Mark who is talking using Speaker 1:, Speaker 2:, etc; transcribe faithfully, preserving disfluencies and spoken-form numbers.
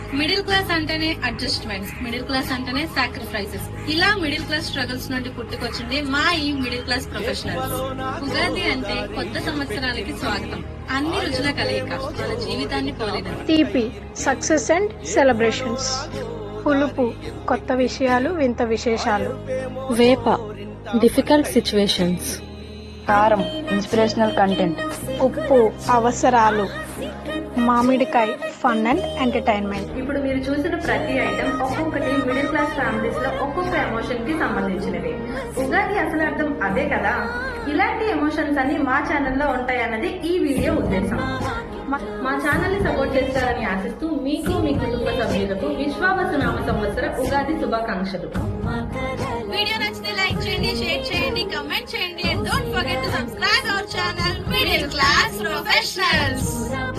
Speaker 1: Middle class అంటేనే adjustments, middle class అంటేనే sacrifices, ఇలా మిడిల్ క్లాస్ స్ట్రగుల్స్ నుండి పుట్టుకొచ్చింది మా ఈ మిడిల్ క్లాస్ ప్రొఫెషనల్స్. ఉగాది అంటే కొత్త సంవత్సరాలకి స్వాగతం, అన్ని రుచుల కలయిక, మన జీవితాన్ని పోలినది.
Speaker 2: తీపి సక్సెస్ అండ్ సెలబ్రేషన్స్, పులుపు కొత్త విషయాలు వింత విశేషాలు,
Speaker 3: వేప డిఫికల్ట్ సిచ్యువేషన్స్,
Speaker 4: కారం ఇన్స్పిరేషనల్ కంటెంట్,
Speaker 2: ఉప్పు అవసరాలు, మామిడికాయ ఫన్ అండ్ ఎంటర్టైన్మెంట్.
Speaker 1: ఇప్పుడు మీరు చూసిన ప్రతి ఐటమ్ ఒక్కొక్కటి మిడిల్ క్లాస్ ఫ్యామిలీస్ లో ఒక్కొక్క ఎమోషన్ కి సంబంధించినవి. ఉగాది అసలు అర్థం అదే కదా. ఇలాంటి ఎమోషన్స్ అన్ని మా ఛానల్లో ఉంటాయన్నది ఈ వీడియో ఉద్దేశం. మా- మా ఛానల్ ని సపోర్ట్ చేస్తారని ఆశిస్తూ మీకు మీ కుటుంబ సభ్యులకు విశ్వావసు నామ సంవత్సర ఉగాది శుభాకాంక్షలు. వీడియో నచ్చితే లైక్ చేయండి, షేర్ చేయండి, కమెంట్ చేయండి, and don't forget to subscribe our channel middle class professionals.